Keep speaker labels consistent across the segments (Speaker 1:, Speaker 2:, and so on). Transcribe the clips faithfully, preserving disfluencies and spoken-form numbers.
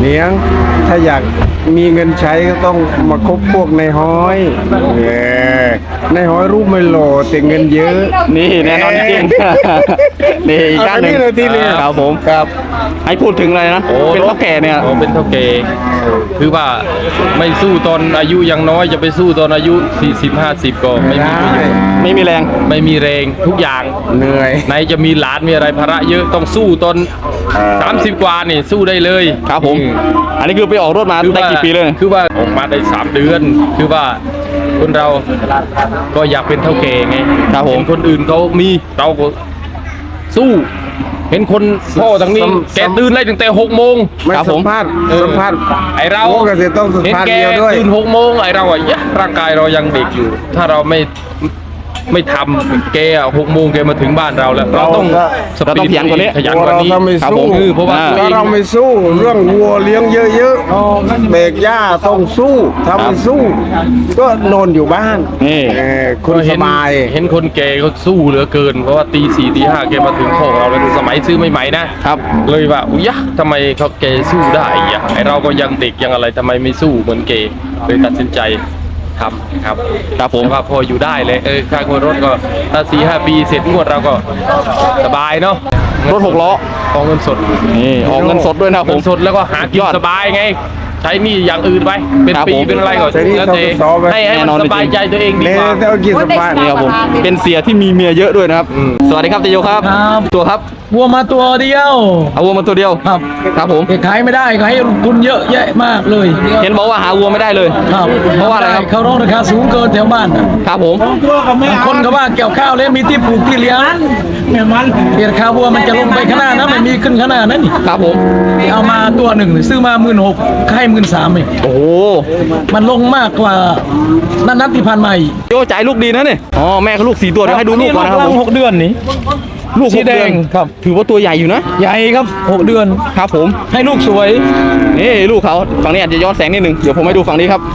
Speaker 1: ลี้ยงถ้าอยากมีเงินใช้ก็ต้องมาคบพวกในห้อยเออในห้อยรูปไม่หล่อแต่เงินเยอะ
Speaker 2: นี่แน่นอนจริง นี่อีกด้านหนึ่งครับผมครับให้พูดถึงอะไรนะเป็นเท่าแก่เนี่ย
Speaker 3: เป็นเท่าแก่คือว่าไม่สู้ตอนอายุยังน้อยจะไปสู้ตอนอายุสี่สิบ ห้าสิบก็ไม่มีประโยชน์
Speaker 2: ไม่มีแรง
Speaker 3: ไม่มีแรงทุกอย่าง
Speaker 1: เหนื่อย
Speaker 3: ไหนจะมีหลานมีอะไรภาระเยอะต้องสู้ตอนสามสิบกว่านี่สู้ได้เลย
Speaker 2: ครับผมอันนี้คือไปออกรถมาได้กี่ปีเลย
Speaker 3: คือว่าออกมาได้สามเดือนคือว่าคนเราก็อยากเป็นเท่าแก่ไง
Speaker 2: ครับผม
Speaker 3: คนอื่นเขามีเราก็สู้เห็นคนพ่อทางนี้แกตื่นได้ตั้งแต่หกโมง
Speaker 1: ไม่สัมภาษณ์สัมภาษณ์
Speaker 3: ไอเรา
Speaker 1: ก็จะต้องสัมภาษณ์เดียวด้วย
Speaker 3: ตื่นหกโมงไอเราอ่ะยะร่างกายเรายังเด็กอยู่ถ้าเราไม่ไม่ทำแกอ่ะหกโมงแกมาถึงบ้านเราแล้วเราต้อง
Speaker 2: เราต้องขยันกว่านี้
Speaker 3: ขยันกว่านี้
Speaker 1: ครับผม
Speaker 3: เพราะว่า
Speaker 1: เราไม่สู้เรื่องวัวเลี้ยงเยอะๆเบรกหญ้าต้องสู้ถ้าไม่สู้ก็นอนอยู่บ้าน
Speaker 2: นี่
Speaker 1: คุณสบาย
Speaker 3: เห็นคนแกเขาสู้เหลือเกินเพราะว่าตีสี่ตีห้าแกมาถึงโคกเราแล้วสมัยซื้อใหม่ๆนะครับเลยว่าอุ้ยทำไมเขาแกสู้ได้อ่ะไอเราก็ยังเด็กยังอะไรทำไมไม่สู้เหมือนแกเลยตัดสินใจทำครับ
Speaker 2: ครับผม
Speaker 3: ว่าพออยู่ได้เลยเออค่างวดรถก็ถ้าสี่ห้าปีเสร็จงวดเราก็สบายเนาะ
Speaker 2: รถหกล้อ
Speaker 3: ออกเงินสด
Speaker 2: นี่ออกเงินสดด้วยนะผม
Speaker 3: สดแล้วก็หากินสบายไงใช้นี่อย่างอื่นไปเป็นปีเป็นอะไรก่อนแล้วแต่ให้ให้มันสบายใจตัวเองดีกว่า
Speaker 1: กินสบาย
Speaker 2: นี่ครับผมเป็นเสียที่มีเมียเยอะด้วยนะครับสวัสดีครับเตโยครับตัวครับ
Speaker 4: วัวมาตัวเดียว
Speaker 2: เอาวัวมาตัวเดียว
Speaker 4: ครับ
Speaker 2: ครับผม
Speaker 4: ขายไม่ได้ขายทุนเยอะแยะมากเลย
Speaker 2: เห็นบอกว่าหาวัวไม่ได้เลย
Speaker 4: ครับ
Speaker 2: เพราะว่าอะไรครับ
Speaker 4: เขาร้องราคาสูงเกินแถวบ้าน
Speaker 2: ครับผม
Speaker 4: คนเขาว่าเกี่ยวข้าวแล้วมีที่ปลูกที่เลี้ยงแม่มันราคาวัวมันจะลงไปขนาดนั้นไม่มีขึ้นขนาดนั้นนี่
Speaker 2: ครับผม
Speaker 4: เอามาตัวหนึ่งซื้อมาหมื่นหกให้หมื่นสามเอง
Speaker 2: โอ้
Speaker 4: มันลงมากกว่านัดนัดที่ผ่านมา
Speaker 2: โยจ่ายลูกดีนะเนี่ยอ๋อแม่เขาลูกสี่ตัวเดี๋ยวให้ดูลูกก่อนนะครับ
Speaker 4: หกเดือนนี้
Speaker 2: ลูกสีแดงครับถือว่าตัวใหญ่อยู่นะ
Speaker 4: ใหญ่ครับหกเดือน
Speaker 2: ครับผม
Speaker 4: ให้ลูกสวย
Speaker 2: นี่ลูกเขาฝั่งนี้อาจจะย้อนแสงนิดนึงเดี๋ยวผมให้ดูฝั่งนี้ครับ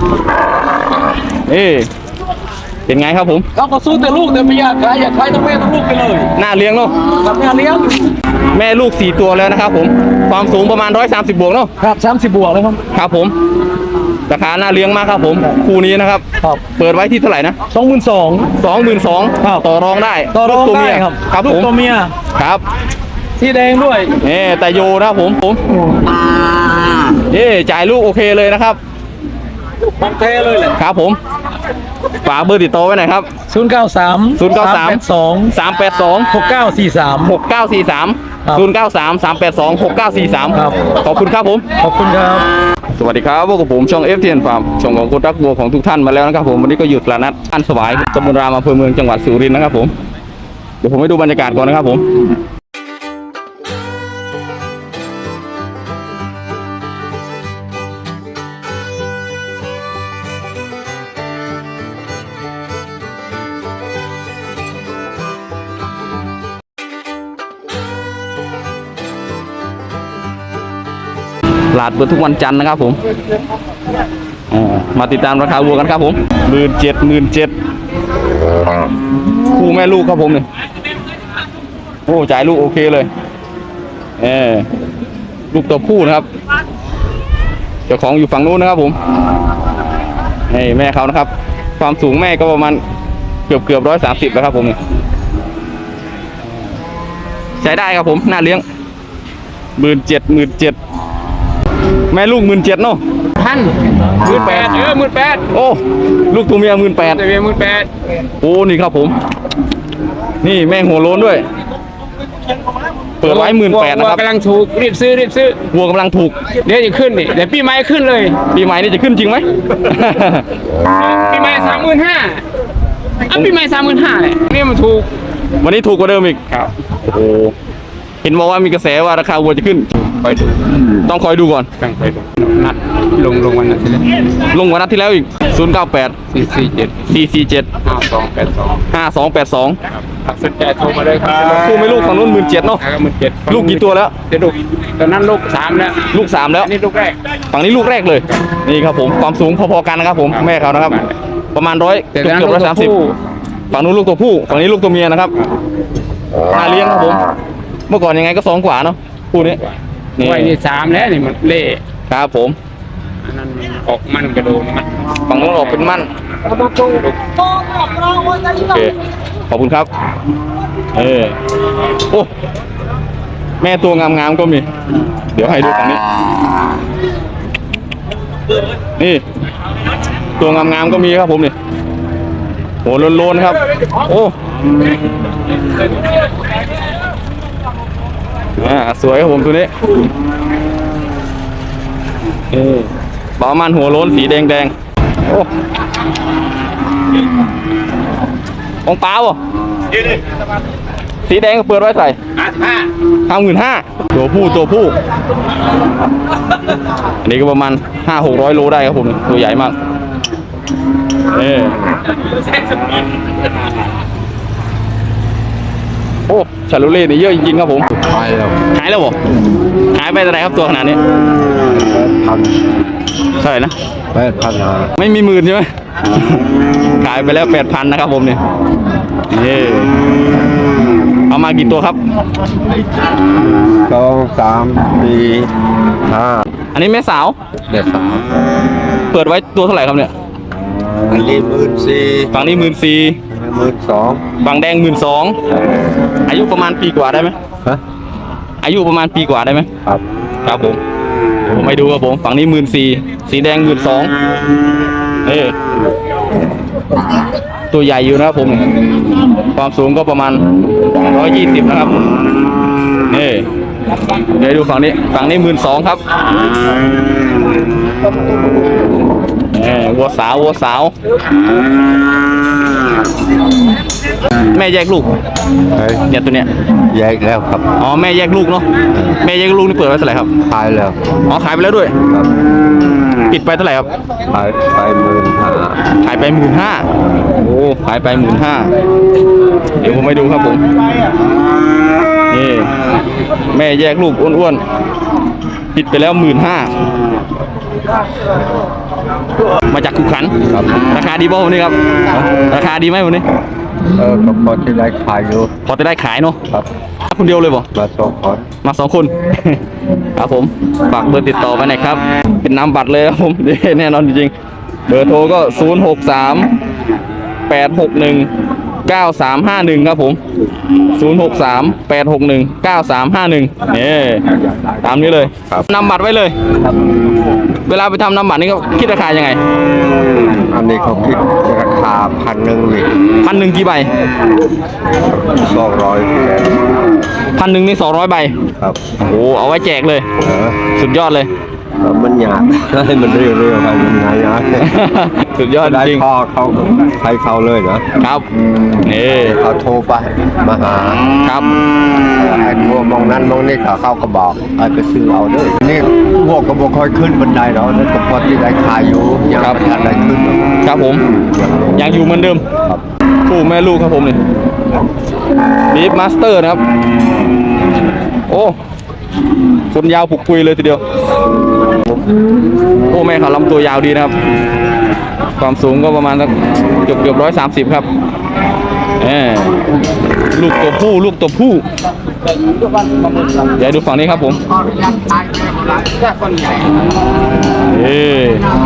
Speaker 2: นี่เป็นไงครับผม
Speaker 4: เขาก็สู้แต่ลูกแต่ไม่อยากขายอยากขายทั้งแม่ทั้งลูกไปเลย
Speaker 2: น่าเลี้ยงเนาะ
Speaker 4: ครับน่าเลี้ยง
Speaker 2: แม่ลูกสี่ตัวแล้วนะครับผมความสูงประมาณร้อยสามสิบบวกเนาะ
Speaker 4: ครับสามสิบบวกเลยครับ
Speaker 2: ครับผมราคาน่าเลี้ยงมากครับผมคู่นี้นะครับเปิดไว้ที่เท่าไหร่นะ
Speaker 4: สองหมื่นสอง
Speaker 2: สองหมื่นสองต่อรองได้
Speaker 4: ต่อรองได้ครับ
Speaker 2: ครับผม
Speaker 4: ตัวเมีย
Speaker 2: ครับ
Speaker 4: สีแดงด้วย
Speaker 2: เอ๊แต่โยนะครับผมผมเอ๊จ่ายลูกโอเคเลยนะครับ
Speaker 4: โอเคเลยแหละ
Speaker 2: ครับผมฝากเบอร์ติดต่อไว้หน่อยครับ
Speaker 4: ศูนย์เก้าสาม
Speaker 2: ศูนย์เก้าสาม
Speaker 4: สอง
Speaker 2: สามแปดสอง
Speaker 4: หกเก้าสี่สาม
Speaker 2: หกเก้าสี่สามศูนย์เก้าสามสามแปดสองหกเก้าสี่สาม
Speaker 4: ครับ
Speaker 2: ขอบคุณครับผม
Speaker 4: ขอบคุณครับ
Speaker 2: สวัสดีครับพวกผมช่อง เอฟ ที เอ็น Farm ช่องของคนรักวัวของทุกท่านมาแล้วนะครับผมวันนี้ก็หยุดตลาดนัดอันสวายตำบลรามอำเภอเมืองจังหวัดสุรินทร์นะครับผมเดี๋ยวผมให้ดูบรรยากาศก่อนนะครับผมตลาดเปิดทุกวันจันทร์นะครับผมมาติดตามราคาวัวกันครับผมหมื่นเจ็ดหมื่นเจ็ดคู่แม่ลูกครับผมเนี่ยโอ้จ่ายลูกโอเคเลยเออลูกตัวผู้นะครับเจ้าของอยู่ฝั่งนู้นนะครับผมนี่แม่เขานะครับความสูงแม่ก็ประมาณเกือบเกือบร้อยสามสิบแล้วครับผมเนี่ยใช้ได้ครับผมน่าเลี้ยงหมื่นเจ็ดหมื่นเจ็ดแม่ลูกหมื่นเจ็ดเนาะ
Speaker 3: ท่านหมื่นแปดเออหมื่นแปด
Speaker 2: โอ้ลูกตัวเมียหมื่นแปด
Speaker 3: ตัวเมียหมื่นแปด
Speaker 2: โอ้นี่ครับผมนี่แม่หัวโล้นด้วยเปิดไว้หมื่นแปดนะครับ
Speaker 3: กำลังถูกรีบซื้อรีบซื้อ
Speaker 2: วัวกำลังถูก
Speaker 3: เดี๋ยวจะขึ้นนี่เดี๋ยวปีใหม่ขึ้นเลย
Speaker 2: ปีใหม่นี่จะขึ้นจริงไหม
Speaker 3: ปีใหม่สามหมื่นห้าอ่ะปีใหม่สามหมื่นห้าเนี่ยนี่มันถูก
Speaker 2: วันนี้ถูกกว่าเดิมอีก
Speaker 3: ครับ
Speaker 2: โอ้เห็นบอกว่ามีกระแสว่าราคาวัวจะขึ้น
Speaker 3: คอยดู
Speaker 2: ต้องคอยดูก่อน
Speaker 3: ต้องคอยดูนัดลงลงวันนั้นที่แล้ว
Speaker 2: ลงวันนัดที่แล้วอีกศูนย์เก้าแปด
Speaker 3: สี่สี่เจ็ด
Speaker 2: สี่สี่เจ็ด
Speaker 3: ห้าสองแปดสอง
Speaker 2: ห้าสองแปดสอง
Speaker 3: ครับสนใจโทรมาเลยครับ
Speaker 2: คู่ไม่ลูกฝั่งนู้นหมื่นเจ็ดเนาะ
Speaker 3: หมื่นเจ็ด
Speaker 2: ลูกกี่ตัวแล้ว
Speaker 3: เดี๋ยวลูกตอนนั้นลูกสามแล้ว
Speaker 2: ลูกสามแล้ว
Speaker 3: นี่ลูกแรก
Speaker 2: ฝั่งนี้ลูกแรกเลยนี่ครับผมความสูงพอๆกันนะครับผมแม่เขานะครับประมาณร้อยเกือบเกือบร้อยสามสิบฝั่งนู้นลูกตัวผู้ฝั่งนี้ลูกตัวเมียนะครับน่าเลี้ยงครับผมเมื่อก่อนยังไงก็สองกว่าเนาะคู่นี้นี่
Speaker 5: ไว้นี่สามแล้วนี่มันเละ
Speaker 2: ครับผม
Speaker 5: อันนั้นมันออกมันกระโดดมัน
Speaker 2: ฝั่งนู้นออกเป็นมั่นโอเคขอบคุณครับเออโอ้แม่ตัวงามๆก็มี เดี๋ยวให้ดูฝั่งนี้นี่ตัวงามๆก็มีครับผมนี่โหโลนๆครับโอ้อ่าสวยครับผมตัวนี้เออประมาณหัวโล้นสีแดงๆโอ้ของเปล่าอ่ะสีแดงก็เปิดไว้ใส่ห้าหมื่นห้าตัวผู้ตัวผู้อันนี้ก็ประมาณห้าหกร้อยโลได้ครับผมตัวใหญ่มากเออโอ้ชาลูเล่นี่เยอะจริงๆครับผมขายแล้วขายแล้วบ่ขายไปเท่าไหร่ครับตัวขนาดนี้พันเท่าไหร่นะแปดพันไม่มีหมื่นใช่ไหมขายไปแล้วแปดพันนะครับผมเนี่ยนี่เอามากี่ตัวครับ
Speaker 1: สองสามสี่ห้า
Speaker 2: อันนี้แม่สาว
Speaker 1: เด็ดสาม
Speaker 2: เปิดไว้ตัวเท่าไหร่ครับเนี่ย
Speaker 1: อันนี้หมื่นสี่
Speaker 2: ฝั่งนี้หมื่นสี่
Speaker 1: หมื่นสอง
Speaker 2: ฝั่งแดงหมื่นสองอายุประมาณปีกว่าได้ไหม
Speaker 1: ฮะ
Speaker 2: อายุประมาณปีกว่าได้ไหม
Speaker 1: ครับ
Speaker 2: ครับผมผมไปดูครับผมฝั่งนี้หมื่นสี่สีแดงหมื่นสองเออตัวใหญ่อยู่นะครับผมความสูงก็ประมาณร้อยยี่สิบนะครับนี่เดี๋ยวดูฝั่งนี้ฝั่งนี้หมื่นสองครับเออวัวสาววัวสาวแม่แยกลูก
Speaker 1: เฮ้ย
Speaker 2: เนี่ยตัวเนี้ย
Speaker 1: แยกแล้วครับ
Speaker 2: อ๋อแม่แยกลูกเนาะแม่แยกลูกนี่เปิดไว้เท่าไหร่ครับ
Speaker 1: ขายแล้ว
Speaker 2: อ๋อขายไปแล้วด้วย
Speaker 1: ครับ
Speaker 2: ปิดไปเท่าไหร่ครับ
Speaker 1: ขายไปหมื่นห้า
Speaker 2: ขายไปหมื่นห้าโอ้ขายไปหมื่นห้าเดี๋ยวผมไปดูครับผมนี่แม่แยกลูกอ้วนๆปิดไปแล้วหมื่นห้ามาจากขุขันครับราคาดีบ่วันนี้ครับราคาดีไหมวันนี้
Speaker 1: เออก็พอที่ได้ขายอยู่
Speaker 2: พอจะได้ขายเนาะ
Speaker 1: ครับ
Speaker 2: คนเดียวเลยบ่
Speaker 1: มาสองคน
Speaker 2: มาสองคน ครับผมฝากเบอร์ติดต่อไปหน่อยครับ เป็นนามบัตรเลยครับผม แน่นอนจริงๆเบอร์โทรก็ศูนย์หกสามแปดหกหนึ่งเก้าสามห้าหนึ่งครับผมศูนย์หกสามแปดหกหนึ่งเก้าสามห้าหนึ่งนี่ตามนี้เลยนำบัตรไว้เลย เวลาไปทำนำบัตรนี่ก็คิดราคายังไง
Speaker 1: อันนี้เขาคิดราคาพันหนึ่งนี่
Speaker 2: พันหนึ่งกี่ใบ
Speaker 1: สองร้อย
Speaker 2: พันหนึ่งนี่สองร้อยใบ
Speaker 1: ครับ
Speaker 2: โอ้เอาไว้แจกเลย
Speaker 1: เออ
Speaker 2: สุดยอดเลย
Speaker 1: แล้วมันหยาบให้มันเรียวๆไปมันหยาบ
Speaker 2: สุดยอด
Speaker 1: ได้
Speaker 2: จริง
Speaker 1: พ่อเขาให้เขาเลยนะครับ
Speaker 2: นี่
Speaker 1: เขาโทรไปมาหา
Speaker 2: ครับ
Speaker 1: ไอ้พวกมองนั้นมองนี่เขาเข้าก็บอกไอ้ไปซื้อเอาเด้วยนี่พวกก็บอกค่อยขึ้นบันไดแล้วนั่นก็พอที่ได้ขายอยู่ยังไม่ทันได้ขึ้นหรอก
Speaker 2: ครับผมยังอยู่เหมือนเดิม
Speaker 1: ครับ
Speaker 2: คู่แม่ลูกครับผมนี่บีฟมาสเตอร์นะครับ โอ้คนยาวปุกปุยเลยทีเดียว โอ้แม่เขาลำตัวยาวดีนะครับ ความสูงก็ประมาณสักเกือบเกือบร้อยสามสิบครับเออลูกตัวผู้ลูกตัวผู้เดี๋ยวดูฝั่งนี้ครับผมเออ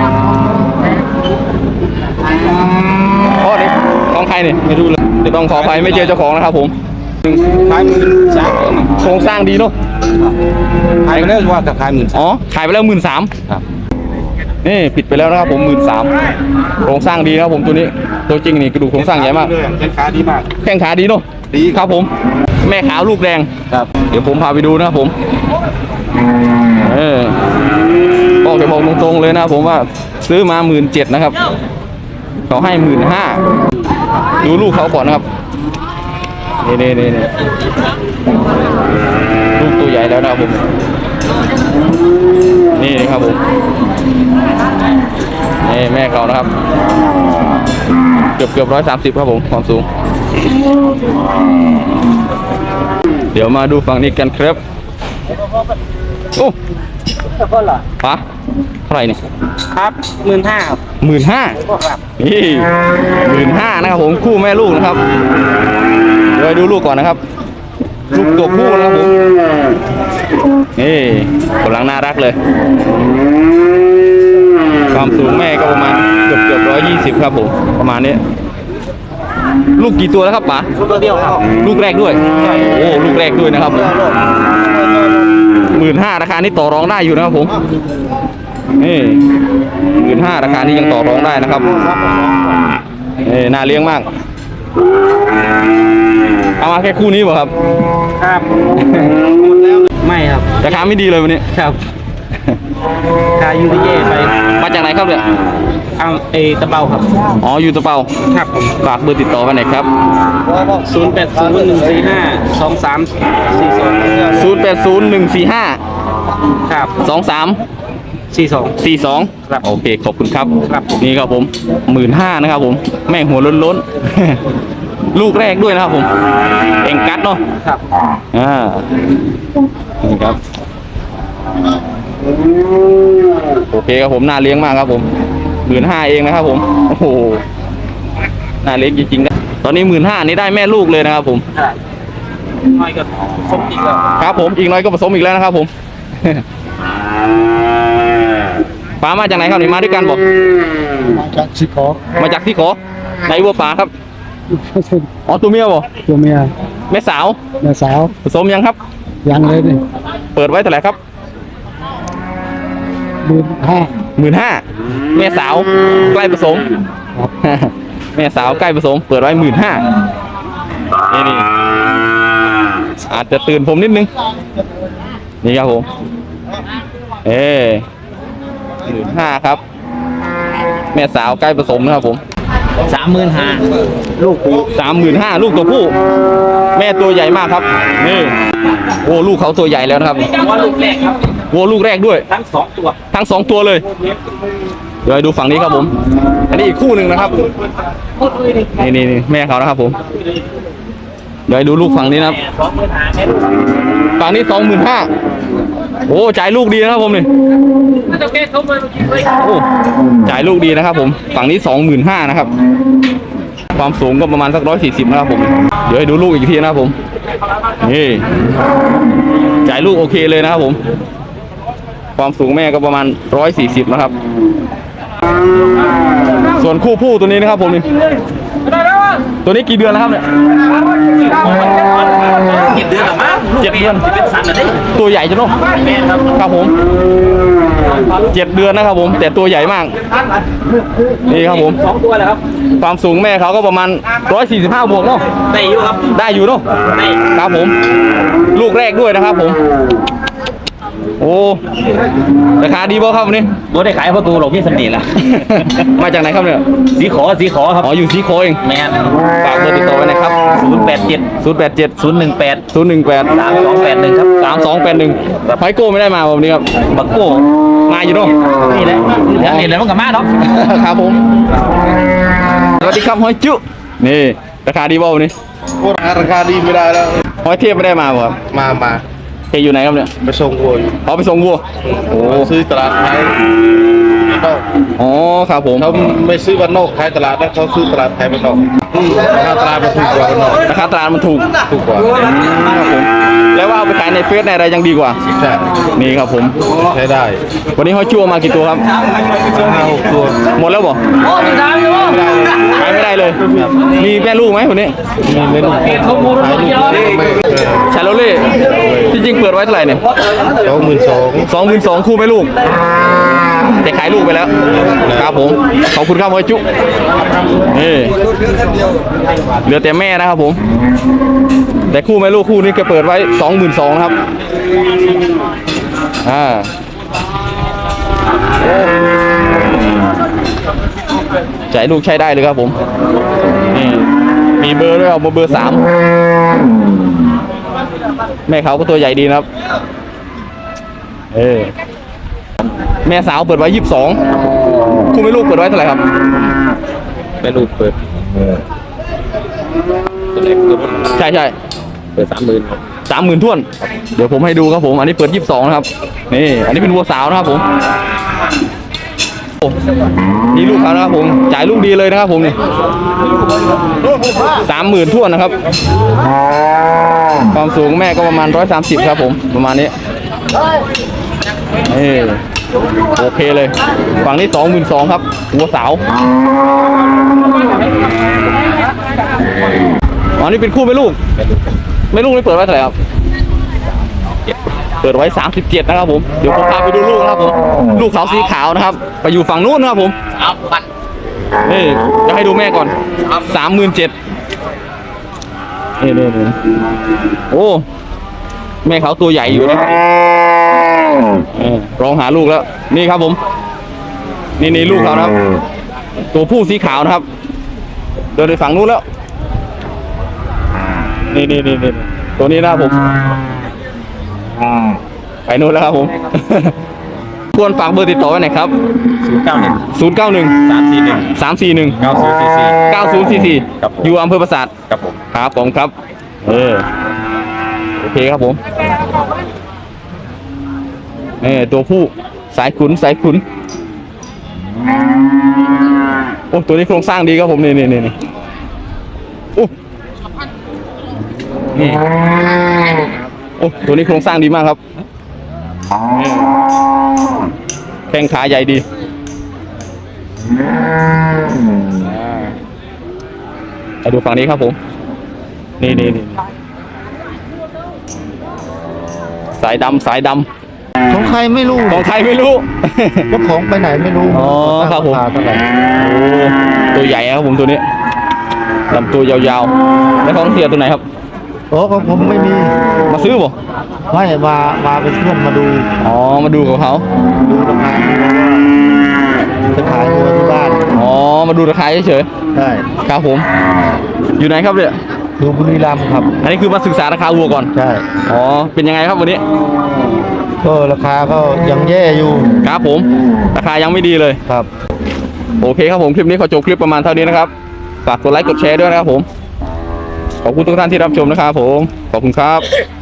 Speaker 2: พ่อนี่ของใครเนี่ยไม่รู้เลยเดี๋ยวต้องขออภัยไม่เจอเจ้าของนะครับผมขายหมื่นสามโครงสร้างดีเนาะขายไปแล้วว่าจะขายหมื่นอ๋อขายไปแล้วหมื่นสามนี่ผิดไปแล้วนะครับผมหมื่นสามโครงสร้างดีนะครับผมตัวนี้ตัวจริงนี่กระดูกโครงสร้างใหญ่มากแข้งขาดีมากแข้งขาดีเนาะดีครับผมแม่ขาวลูกแดงครับเดี๋ยวผมพาไปดูนะครับผมเออบอกจะบอกตรงๆเลยนะครับผมว่าซื้อมาหมื่นเจ็ดนะครับเขาให้หมื่นห้าดูลูกเขาก่อนนะครับนี่นี่นี่นี่ลูกตัวใหญ่แล้วนะครับผมนี่ครับผมนี่แม่เขานะครับเกือบเกือบร้อยสามสิบครับผมความสูงเดี๋ยวมาดูฝั่งนี้กันครับโอ้ปะเท่าไหร่นี่
Speaker 5: ครับหมื่นห้าครับ
Speaker 2: หมื่นห้านี่หมื่นห้านะครับผมคู่แม่ลูกนะครับเดี๋ยวดูลูกก่อนนะครับลูกตัวผู้นะครับผมนี่กำลังน่ารักเลย ความสูงแม่ก็ประมาณเกือบเกือบร้อยยี่สิบครับผมประมาณนี้ ลูกกี่ตัวแล้วครับป๋า
Speaker 5: ตัวเดียวครับ
Speaker 2: ลูกแรกด้วยโอ้ลูกแรกด้วยนะครับหมื่นห้าราคานี้ต่อรองได้อยู่นะครับผมนี่หมื่นห้าราคานี้ยังต่อรองได้นะครับนี่น่าเลี้ยงมากเอามาแค่คู่นี้ป่ะครับ
Speaker 5: ครับหมดแล้วไม่ครับ
Speaker 2: ราคาไม่ดีเลยวันนี้
Speaker 5: ครับขายยูริเย่ไป
Speaker 2: มาจากไหนครับเนี่ย
Speaker 5: เอาเอตะเบาครับ
Speaker 2: อ๋ออยู่ตะเปา
Speaker 5: ครับผม
Speaker 2: ฝากเบอร์ติดต่อไว้หน่อยครับ
Speaker 5: ศูนย์แปดศูนย์หนึ่งสี่ห้าสองสามสี่สอง
Speaker 2: ศูนย์ แปด ศูนย์ หนึ่ง สี่ ห้า
Speaker 5: ครับ
Speaker 2: สอง สาม
Speaker 5: สี่สอง
Speaker 2: สี่ สอง
Speaker 5: ครับ
Speaker 2: โอเคขอบคุณครับ
Speaker 5: ครับ
Speaker 2: นี่ครับผมหมื่นห้านะครับผมแม่งหัวล้นๆ ลูกแรกด้วยนะครับผมเอ็งกัดเนาะ
Speaker 5: ครับ
Speaker 2: อ่านี่ครับโอเคครับผมน่าเลี้ยงมากครับผมหมื่นห้าเองนะครับผมโอ้โหน่าเลี้ยงจริงๆนะตอนนี้หมื่นห้านี่ได้แม่ลูกเลยนะครับผม
Speaker 5: ครับน้อยก็สมอีกแล้ว
Speaker 2: ครับผมอีกน้อยก็ผสมอีกแล้วนะครับผม ป๋ามาจากไหนครับนี่มาด้วยกันบอก
Speaker 4: มาจากชิคอ
Speaker 2: มาจากที่ขอไหนวัวป๋าครับอ๋อตัวเมียบ่
Speaker 4: ตัวเมีย
Speaker 2: แม่สาว
Speaker 4: แม่สาว
Speaker 2: ผสมยังครับ
Speaker 4: ยังเลยนี่
Speaker 2: เปิดไว้เท่าไหร่ครับ
Speaker 4: หมื่นห้า
Speaker 2: หมื่นห้าแม่สาวใกล้ผสม
Speaker 4: ครับ
Speaker 2: แม่สาวใกล้ผสม เปิดไว้หมื่นห้านี่นี่อาจจะตื่นผมนิดนึงนี่ครับผมเอหมื่นห้าครับ แม่สาวใกล้ผสมนะครับผม
Speaker 5: สามหมื่นห้า
Speaker 2: ลูกสามหมื่นห้าลูกตัวผู้ แม่ตัวใหญ่มากครับนี่โอ้ลูกเขาตัวใหญ่แล้วนะครับ
Speaker 5: ว่าลูกแรกครับ
Speaker 2: วัวลูกแรกด้วย
Speaker 5: ทั้งสองตัว
Speaker 2: ทั้งสองตัวเลย เดี๋ยวให้ดูฝั่งนี้ครับผม อันนี้อีกคู่หนึ่งนะครับ นี่นี่นี่แม่เขานะครับผม เดี๋ยวให้ดูลูกฝั่งนี้นะครับ
Speaker 5: สองหมื่นห้าแม่ลูก
Speaker 2: ฝั่งนี้สองหมื่นห้าโอ้จ่ายลูกดีนะครับผมนี่
Speaker 5: น่าจะแก้เขามาเมื่อกี้เลย
Speaker 2: โอ้จ่ายลูกดีนะครับผม ฝั่งนี้สองหมื่นห้านะครับ ความสูงก็ประมาณสักร้อยสี่สิบนะครับผม เดี๋ยวให้ดูลูกอีกทีนะครับผม นี่จ่ายลูกโอเคเลยนะครับผม ความสูงแม่ก็ประมาณร้อยสี่สิบนะครับ ส่วนคู่ผู้ตัวนี้นะครับผมนี่ ตัวนี้กี่เดือนแล้วครับเนี่ย
Speaker 5: เจ็ดเดือนหรือมั้ง
Speaker 2: เจ็ดเดือน
Speaker 5: เป็นสันอะไร
Speaker 2: ตัวใหญ่จังเนาะ
Speaker 5: แม่ครับ
Speaker 2: ครับผมเจ็ดเดือนนะครับผม แต่ตัวใหญ่มาก นี่ครับผม
Speaker 5: สองตัวเลยครับ
Speaker 2: ความสูงแม่เขาก็ประมาณร้อยสี่สิบห้าบวกเนาะ
Speaker 5: ได้อยู่ครับ
Speaker 2: ได้อยู่เนาะ
Speaker 5: ได้
Speaker 2: ครับผม ลูกแรกด้วยนะครับผม โอ้ราคาดีบ่ครับวันนี้
Speaker 5: บัวได้ขายประตูหลงที่สำนีละ
Speaker 2: มาจากไหนครับเนี่ย
Speaker 5: สีขอสีขอครับ
Speaker 2: อ๋ออยู่สีโคเอง
Speaker 5: แม่น
Speaker 2: ฝากเบอร์ติดต่อไว้นะครับ
Speaker 5: ศูนย์แปดเจ็ด
Speaker 2: ศูนย์ แปด เจ็ด
Speaker 5: ศูนย์หนึ่งแปด
Speaker 2: ศูนย์ หนึ่ง แปด
Speaker 5: สามสองแปดหนึ่งครับ
Speaker 2: สามสองแปดหนึ่งไพโก้ไม่ได้มาวันนี้ครับ
Speaker 5: บักโก้
Speaker 2: มาอยู่เนาะ
Speaker 5: นี่แหละเดี๋ยวเห็นแล้วมันกับมาเนาะ
Speaker 2: ครับผม สวัสดีครับฮอยจุ นี่ราคาดีบ่วันนี้
Speaker 6: ราคาดีไม่ได้แล้ว
Speaker 2: ฮอยเทียบไม่ได้มาบ่ครับ
Speaker 6: มามา
Speaker 2: เฮยอยู่ไหนครับเนี่ย
Speaker 6: ไปส่งวัวอยู่
Speaker 2: เขาไปส่งวัว โอ้
Speaker 6: ซื้อตลาดไทยนอก
Speaker 2: อ๋อครับผม
Speaker 6: เขาไม่ซื้อวันนอกขายตลาดนะเขาซื้อตลาดไทยวันนอกราคาตลาดมันถูกกว่าวันนอก
Speaker 2: ราคาตลาดมันถูก
Speaker 6: ถูกกว่า
Speaker 2: ครับผม แล้วว่าเอาไปขายในเฟซในอะไรยังดีกว่า
Speaker 6: ใช่
Speaker 2: นี่ครับผม
Speaker 6: ใช้ได้
Speaker 2: วันนี้ฮอยจุเอามากี่ตัวครับ
Speaker 6: ห้าหกตัว
Speaker 2: หมดแล้วบ่ขายไม่ได้เลย มีแม่ลูกไหมคนนี้
Speaker 6: มีเมนูขายลูกไม่
Speaker 2: ชาโลเล่ที่จริงเปิดไว้เท่าไหร่เนี่ย
Speaker 6: สองหมื่นสอง
Speaker 2: สองหมื่นสองคู่แม่ลูก แต่ขายลูกไปแล้ว ครับผม ขอบคุณครับฮอยจุนี่เหลือแต่แม่นะครับผม แต่คู่แม่ลูกคู่นี้ก็เปิดไว้สองหมื่นสองนะครับอ่าโอ้จ่ายลูกใช้ได้เลยครับผมนี่มีเบอร์ด้วยเอาเบอร์สามแม่เขาก็ตัวใหญ่ดีนะครับเออแม่สาวเปิดไว้ยี่สิบสองคู่แม่ลูกเปิดไว้เท่าไหร่ครับ
Speaker 3: แม่ลูกเปิดตัวเล็กตัว
Speaker 2: ใช่ใช่
Speaker 3: เปิดสามหมื่น
Speaker 2: สามหมื่นท่วน เดี๋ยวผมให้ดูครับผม อันนี้เปิดยี่สิบสองนะครับ นี่ อันนี้เป็นวัวสาวนะครับผมนี่ลูกเขานะครับผม จ่ายลูกดีเลยนะครับผมนี่สามหมื่นท่วนนะครับ ความสูงแม่ก็ประมาณร้อยสามสิบครับผม ประมาณนี้เออโอเคเลย ฝั่งนี้สองหมื่นสองครับหัวสาวอ๋อนี่เป็นคู่ไม่ลูก ไม่ลูกนี่เปิดไว้เท่าไหร่ครับ เปิดไว้สามสิบเจ็ดนะครับผม เดี๋ยวผมพาไปดูลูกนะครับผม ลูกเขาสีขาวนะครับ ไปอยู่ฝั่งนู้นนะครับผมนี่จะให้ดูแม่ก่อนสามหมื่นเจ็ดนี่นี่นี่โอ้แม่เขาตัวใหญ่อยู่นะครับร้องหาลูกแล้ว นี่ครับผม นี่นี่ลูกเขานะครับ ตัวผู้สีขาวนะครับ เดินไปฝั่งนู้นแล้ว นี่นี่นี่นี่ตัวนี้นะครับผมไปนู้นแล้วครับผม ควรฝากเบอร์ติดต่อไว้หน่อยครับ
Speaker 3: ศูนย์เก้าหนึ่ง
Speaker 2: ศูนย์ เก้า หนึ่ง
Speaker 3: สามสี่หนึ่ง
Speaker 2: สาม สี่ หนึ่ง
Speaker 3: เก้าศูนย์สี่สี่
Speaker 2: เก้า ศูนย์ สี่ สี่
Speaker 3: ครับผม
Speaker 2: อยู่อำเภอปราสาท
Speaker 3: ครับผม
Speaker 2: ครับผมครับ เออ โอเคครับผมเออตัวผู้สายขุนสายขุน โอ้ตัวนี้โครงสร้างดีครับผม นี่นี่นี่นี่โอ้นี่โอ้ตัวนี้โครงสร้างดีมากครับแข้งขาใหญ่ดีไปดูฝั่งนี้ครับผม นี่นี่นี่สายดำสายดำ
Speaker 7: ของใครไม่รู้
Speaker 2: ของใครไม่รู้
Speaker 7: เจ้าของไปไหนไม่รู้
Speaker 2: อ๋อครับผม
Speaker 7: าาเท่าไหร่
Speaker 2: โอ้ตัวใหญ่ครับผมตัวนี้ลำตัวยาวๆแล้วของเสียตัวไหนครับ
Speaker 7: โอ้ของผมไม่มี
Speaker 2: มาซื้อบ่
Speaker 7: ไม่มามาเป็นเพื่อนมาดู
Speaker 2: อ๋อมาดูกับเขา
Speaker 7: ดูราคาจะขายตัวที่บ้าน
Speaker 2: อ๋อมาดูราคาเฉย
Speaker 7: ได้
Speaker 2: ๆครับผม อยู่ไหนครับเนี่ย
Speaker 7: ดูบุรีรัมย์ครับ
Speaker 2: อันนี้คือมาศึกษาราคาวัวก่อน
Speaker 7: ใช่
Speaker 2: อ๋อเป็นยังไงครับวันนี้
Speaker 7: ก็ราคาก็ยังแย่อยู่
Speaker 2: ครับผม ราคายังไม่ดีเลย
Speaker 7: ครับ
Speaker 2: โอเคครับผมคลิปนี้ขอจบคลิปประมาณเท่านี้นะครับฝากกดไลค์กดแชร์ด้วยนะครับผมขอบคุณทุกท่านที่รับชมนะครับผมขอบคุณครับ